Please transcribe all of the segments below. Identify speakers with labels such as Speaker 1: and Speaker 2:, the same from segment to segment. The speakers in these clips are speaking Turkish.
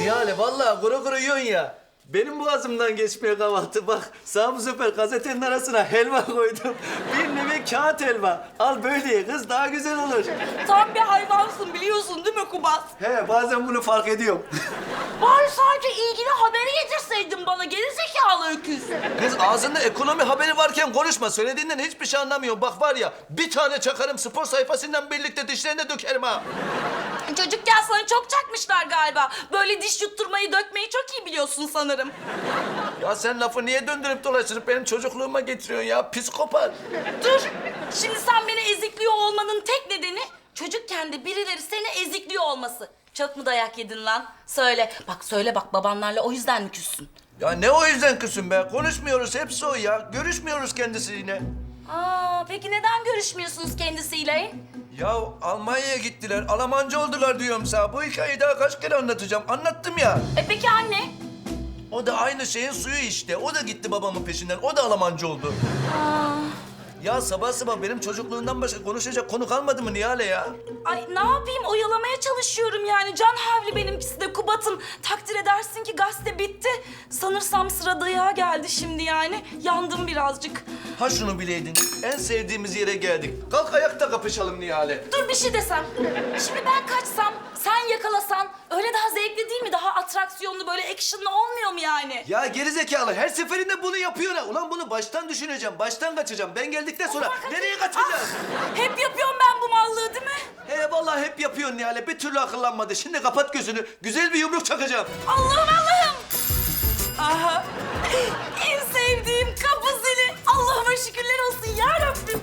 Speaker 1: Nihale vallahi kuru kuru yiyorsun ya. Benim boğazımdan geçmiyor kahvaltı. Bak sağ bu sefer gazetenin arasına helva koydum. Bir nevi kağıt helva. Al böyle ye kız daha güzel olur.
Speaker 2: Tam bir hayvansın biliyorsun değil mi Kubat?
Speaker 1: He bazen bunu fark ediyorum.
Speaker 2: Bari sadece ilgili haberi getirseydin bana gerizekalı öküz.
Speaker 1: Kız ağzında ekonomi haberi varken konuşma. Söylediğinden hiçbir şey anlamıyorum. Bak var ya bir tane çakarım spor sayfasından birlikte dişlerine dökerim ha.
Speaker 2: Çocukken sana çok çakmışlar galiba. Böyle diş yutturmayı dökmeyi çok iyi biliyorsun sanırım.
Speaker 1: Ya sen lafı niye döndürüp dolaştırıp benim çocukluğuma getiriyorsun ya? Psikopat.
Speaker 2: Dur. Şimdi sen beni ezikliyor olmanın tek nedeni çocukken de birileri seni ezikliyor olması. Çok mu dayak yedin lan? Söyle. Bak söyle bak babanlarla o yüzden mi küssün?
Speaker 1: Ya ne o yüzden kızım be? Konuşmuyoruz hepsi o ya. Görüşmüyoruz kendisiyle.
Speaker 2: Peki neden görüşmüyorsunuz kendisiyle?
Speaker 1: Ya Almanya'ya gittiler, Almanca oldular diyorum sana. Bu hikayeyi daha kaç kere anlatacağım. Anlattım ya.
Speaker 2: Peki anne?
Speaker 1: O da aynı şeyin suyu işte. O da gitti babamın peşinden. O da Almanca oldu. Ya sabah sabah benim çocukluğumdan başka konuşacak konu kalmadı mı Nihale ya?
Speaker 2: Ay ne yapayım oyalamaya çalışıyorum yani. Can havli benimkisi de Kubat'ım. Takdir edersin ki gazete bitti. Sanırsam sıra dayağa geldi şimdi yani. Yandım birazcık.
Speaker 1: Ha şunu bileydin. En sevdiğimiz yere geldik. Kalk ayakta kapışalım Nihale.
Speaker 2: Dur bir şey desem. Şimdi ben kaçsam, sen yakalasan öyle daha zevkli değil mi? Daha atraksiyonlu böyle actionlı olmuyor mu yani?
Speaker 1: Ya gerizekalı her seferinde bunu yapıyor ha. Ulan bunu baştan düşüneceğim, baştan kaçacağım. Ben geldikten sonra nereye kaçacağız?
Speaker 2: Hep yapıyorum ben bu mallığı değil mi?
Speaker 1: He vallahi hep yapıyorsun Nihale. Bir türlü akıllanmadı. Şimdi kapat gözünü. Güzel bir yumruk çakacağım.
Speaker 2: Allah'ım! Aha! En sevdiğim kapı zili. Allah'ıma şükürler olsun ya Rabbim.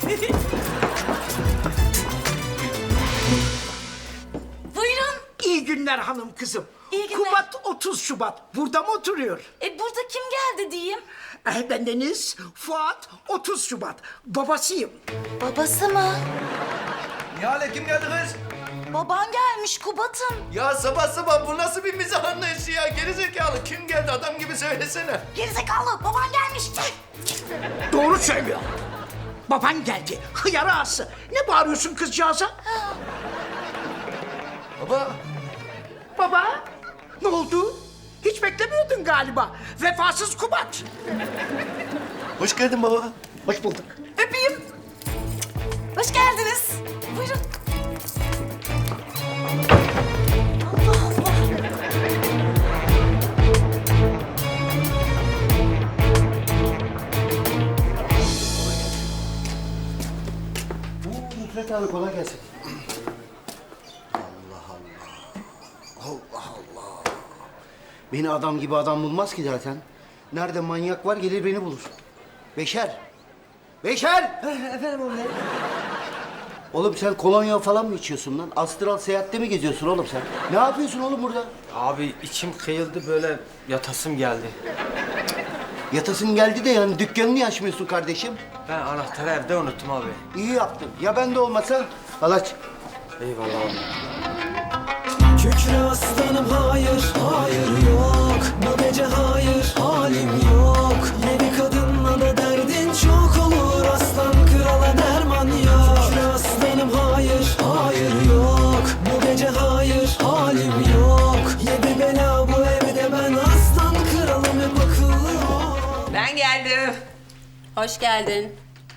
Speaker 2: Buyurun.
Speaker 3: İyi günler hanım kızım.
Speaker 2: İyi günler.
Speaker 3: Kubat 30 Şubat. Burada mı oturuyor?
Speaker 2: Burada kim geldi diyeyim?
Speaker 3: Ben Deniz, Fuat 30 Şubat. Babasıyım.
Speaker 2: Babası mı?
Speaker 1: Nihale kim geldi kız?
Speaker 2: Baban gelmiş Kubat'ım.
Speaker 1: Ya sabah sabah bu nasıl bir mizah anlayışı ya? Gerizekalı kim geldi adam gibi söylesene.
Speaker 2: Gerizekalı baban gelmiş.
Speaker 3: Doğru söylüyor. Baban geldi. Hıyar ağası. Ne bağırıyorsun kızcağıza?
Speaker 1: Baba.
Speaker 3: Baba, ne oldu? Hiç beklemiyordun galiba. Vefasız Kubat.
Speaker 1: Hoş geldin baba.
Speaker 3: Hoş bulduk.
Speaker 2: Öpeyim. Hoş geldiniz. Buyurun. Allah Allah.
Speaker 4: Nusret abi kolay gelsin. Allah Allah. Allah Allah. Beni adam gibi adam bulmaz ki zaten. Nerede manyak var gelir beni bulur. Beşer. Beşer! Efendim oğlum. Oğlum sen kolonya falan mı içiyorsun lan? Astral seyahatte mi geziyorsun oğlum sen? Ne yapıyorsun oğlum burada?
Speaker 5: Abi içim kıyıldı böyle yatasım geldi.
Speaker 4: Yatasın geldi de yani dükkanını niye açmıyorsun kardeşim?
Speaker 5: Ben anahtarı evde unuttum abi.
Speaker 4: İyi yaptın. Ya ben de olmasa? Al aç.
Speaker 5: Eyvallah abi.
Speaker 6: Kükre aslanım hayır, hayır yok. Bu gece hayır, halim yok. Yeni kadınla da derdin çok olur. Aslan krala derman yok. Kükre aslanım hayır, hayır yok. Bu gece hayır, halim yok. Yedi bela bu evde ben aslan kralım hep akıllı ol.
Speaker 7: Ben geldim.
Speaker 8: Hoş geldin.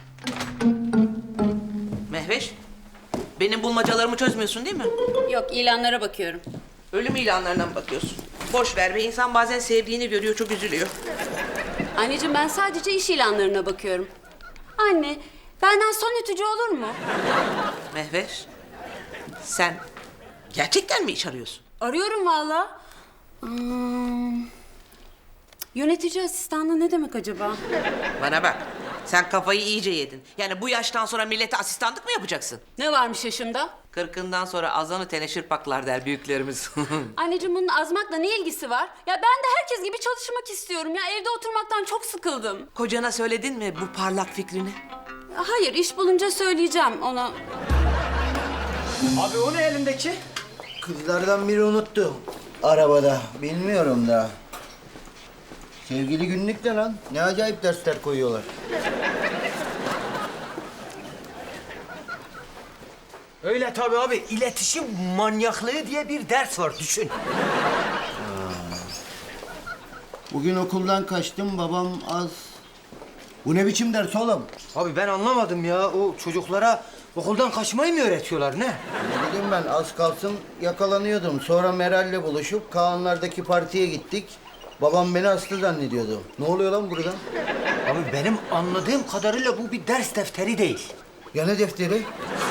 Speaker 7: Mehveş, benim bulmacalarımı çözmüyorsun değil mi?
Speaker 8: Yok, ilanlara bakıyorum.
Speaker 7: Ölüm ilanlarına mı bakıyorsun? Boş ver be, insan bazen sevdiğini görüyor, çok üzülüyor.
Speaker 8: Anneciğim ben sadece iş ilanlarına bakıyorum. Anne, benden son ütücü olur mu?
Speaker 7: Mehveş, sen gerçekten mi iş arıyorsun?
Speaker 8: Arıyorum valla. Yönetici asistanlığı ne demek acaba?
Speaker 7: Bana bak, sen kafayı iyice yedin. Yani bu yaştan sonra millete asistanlık mı yapacaksın?
Speaker 8: Ne varmış yaşımda?
Speaker 7: Kırkından sonra azanı teneşir paklar der büyüklerimiz.
Speaker 8: Anneciğim bunun azmakla ne ilgisi var? Ya ben de herkes gibi çalışmak istiyorum ya. Evde oturmaktan çok sıkıldım.
Speaker 7: Kocana söyledin mi bu parlak fikrini?
Speaker 8: Hayır, iş bulunca söyleyeceğim ona.
Speaker 5: Abi o ne elindeki?
Speaker 4: Kızlardan biri unuttu. Arabada. Bilmiyorum da. Sevgili günlük de lan. Ne acayip dersler koyuyorlar.
Speaker 5: Öyle tabii abi. İletişim manyaklığı diye bir ders var düşün.
Speaker 4: Bugün okuldan kaçtım, babam az... Bu ne biçim ders oğlum?
Speaker 5: Abi ben anlamadım ya. O çocuklara okuldan kaçmayı mı öğretiyorlar ne?
Speaker 4: Ne bileyim ben, az kalsın yakalanıyordum. Sonra Meral'le buluşup Kaanlar'daki partiye gittik. Babam beni hasta zannediyordu. Ne oluyor lan burada?
Speaker 5: Abi benim anladığım kadarıyla bu bir ders defteri değil.
Speaker 4: Ya ne defteri?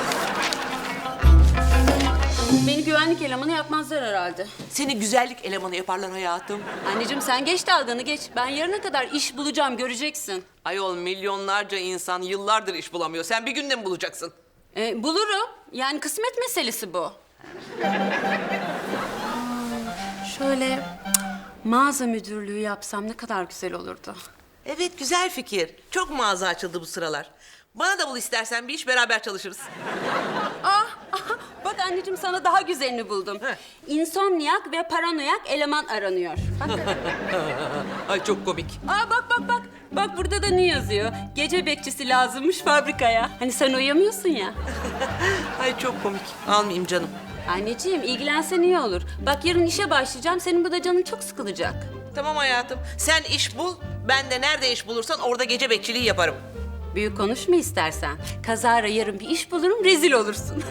Speaker 8: Beni güvenlik elemanı yapmazlar herhalde.
Speaker 7: Seni güzellik elemanı yaparlar hayatım.
Speaker 8: Anneciğim sen geç dalganı geç. Ben yarına kadar iş bulacağım göreceksin.
Speaker 7: Ayol milyonlarca insan yıllardır iş bulamıyor. Sen bir günde mi bulacaksın?
Speaker 8: Bulurum. Yani kısmet meselesi bu. Şöyle mağaza müdürlüğü yapsam ne kadar güzel olurdu.
Speaker 7: Evet güzel fikir. Çok mağaza açıldı bu sıralar. Bana da bul istersen bir iş beraber çalışırız.
Speaker 8: Bak anneciğim sana daha güzelini buldum. İnsomniyak ve paranoyak eleman aranıyor. Bak.
Speaker 7: Ay çok komik.
Speaker 8: Bak. Bak burada da ne yazıyor? Gece bekçisi lazımmış fabrikaya. Hani sen uyuyamıyorsun ya.
Speaker 7: Ay çok komik. Almayayım canım.
Speaker 8: Anneciğim ilgilensen iyi olur. Bak yarın işe başlayacağım. Senin burada canın çok sıkılacak.
Speaker 7: Tamam hayatım. Sen iş bul. Ben de nerede iş bulursan orada gece bekçiliği yaparım.
Speaker 8: Büyük konuşma istersen. Kazara yarın bir iş bulurum, rezil olursun.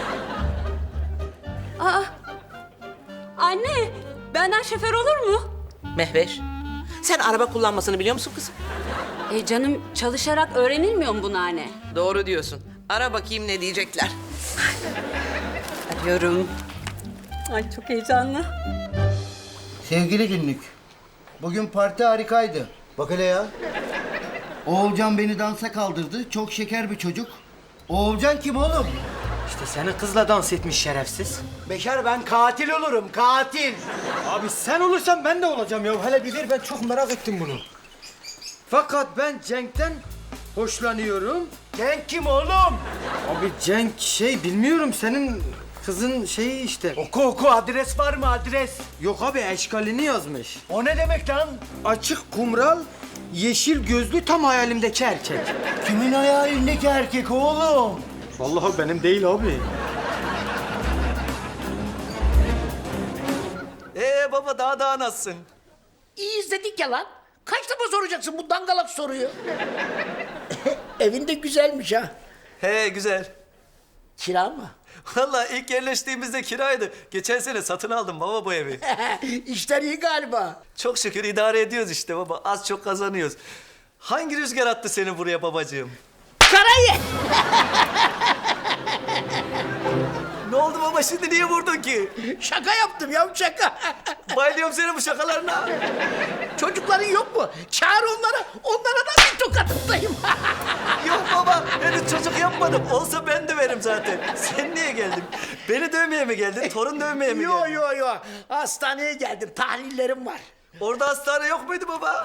Speaker 8: Anne, benden şoför olur mu?
Speaker 7: Mehveş. Sen araba kullanmasını biliyor musun kızım?
Speaker 8: Canım çalışarak öğrenilmiyor mu bunu anne?
Speaker 7: Doğru diyorsun. Ara bakayım ne diyecekler.
Speaker 8: Arıyorum. Ay çok heyecanlı.
Speaker 4: Sevgili günlük, bugün parti harikaydı. Bak hele ya. Oğulcan beni dansa kaldırdı. Çok şeker bir çocuk. Oğulcan kim oğlum?
Speaker 5: İşte senin kızla dans etmiş şerefsiz.
Speaker 4: Beşer, ben katil olurum, katil.
Speaker 5: Abi sen olursan ben de olacağım ya. Hele bir ver, ben çok merak ettim bunu. Fakat ben Cenk'ten hoşlanıyorum.
Speaker 4: Cenk kim oğlum?
Speaker 5: Abi Cenk bilmiyorum senin kızın şeyi işte.
Speaker 4: Oku, adres var mı adres?
Speaker 5: Yok abi eşkalini yazmış.
Speaker 4: O ne demek lan?
Speaker 5: Açık kumral, yeşil gözlü tam hayalimdeki erkek.
Speaker 4: Kimin hayalindeki erkek oğlum?
Speaker 5: Vallahi benim değil abi.
Speaker 1: Baba daha nasılsın?
Speaker 3: İyi izledik ya lan. Kaç defa soracaksın bu dangalak soruyu? Evin de güzelmiş ha.
Speaker 1: He güzel.
Speaker 3: Kira mı?
Speaker 1: Vallahi ilk yerleştiğimizde kiraydı. Geçen sene satın aldım baba bu evi.
Speaker 3: İşler iyi galiba.
Speaker 1: Çok şükür idare ediyoruz işte baba. Az çok kazanıyoruz. Hangi rüzgar attı seni buraya babacığım?
Speaker 3: Karayı!
Speaker 1: Ne oldu baba şimdi niye vurdun ki?
Speaker 3: Şaka yaptım ya, şaka.
Speaker 1: Bayılıyorum senin bu şakalarına.
Speaker 3: Çocukların yok mu? Çağır onları, onlara da bir tokat atayım.
Speaker 1: Yok baba henüz çocuk yapmadım. Olsa ben döverim zaten. Sen niye geldin? Beni dövmeye mi geldin? Torun dövmeye mi geldin?
Speaker 3: Yo. Hastaneye geldim, tahlillerim var.
Speaker 1: Orada hastane yok muydu baba?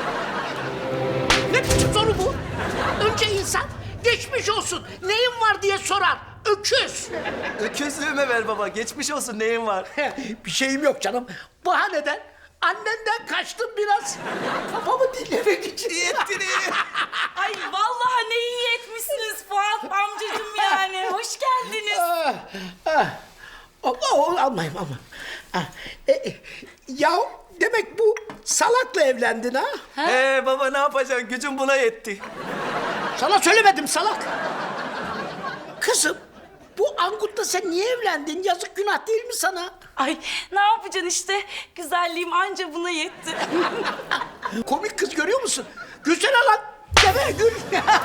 Speaker 3: Ne biçim soru bu? Önce insan geçmiş olsun, neyin var diye sorar. Öküz.
Speaker 1: Öküzlüğüme ver baba. Geçmiş olsun neyin var?
Speaker 3: Bir şeyim yok canım. Bahaneden annenden kaçtım biraz. Kafamı dinlemek için.
Speaker 1: İyi ettin iyi.
Speaker 2: Ay vallahi ne iyi etmişsiniz Fuat amcacığım yani. Hoş geldiniz.
Speaker 3: Almayayım. Ya demek bu salakla evlendin ha?
Speaker 1: Baba ne yapacaksın? Gücüm buna yetti.
Speaker 3: Sana söylemedim salak. Kızım, bu Angut'la sen niye evlendin? Yazık, günah değil mi sana?
Speaker 2: Ay ne yapacaksın işte. Güzelliğim anca buna yetti.
Speaker 3: Komik kız, görüyor musun? Gülsene lan. Deme gül.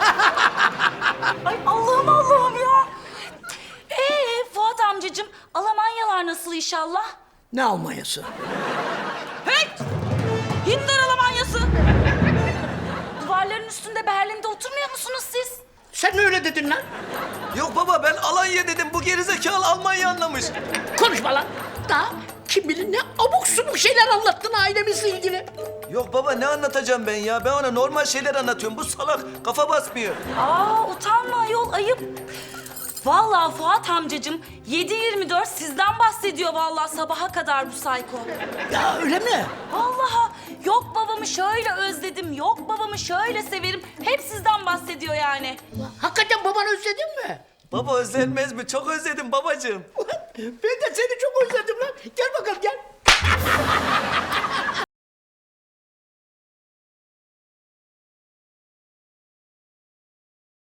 Speaker 2: Ay Allah'ım ya. Fuat amcacığım Almanyalar nasıl inşallah?
Speaker 3: Ne Almanyası?
Speaker 2: Hey! Hitler Almanyası. Duvarların üstünde Berlin'de oturmuyor musunuz siz?
Speaker 3: Sen mi öyle dedin lan?
Speaker 1: Yok baba ben Alanya dedim. Bu gerizekalı Almanya anlamış.
Speaker 3: Konuşma lan. Daha kim bilir ne abuk subuk şeyler anlattın ailemizle ilgili.
Speaker 1: Yok baba ne anlatacağım ben ya? Ben ona normal şeyler anlatıyorum. Bu salak kafa basmıyor.
Speaker 2: Utanma ayol, ayıp. Vallahi Fuat amcacığım 7/24 sizden bahsediyor vallahi sabaha kadar bu sayko.
Speaker 3: Ya öyle mi?
Speaker 2: Vallahi yok babamı şöyle özledim, yok babamı şöyle severim. Hep sizden bahsediyor yani.
Speaker 3: Hakikaten babanı özledin mi?
Speaker 1: Baba özlenmez mi? Çok özledim babacığım.
Speaker 3: Ben de seni çok özledim lan. Gel bakalım gel.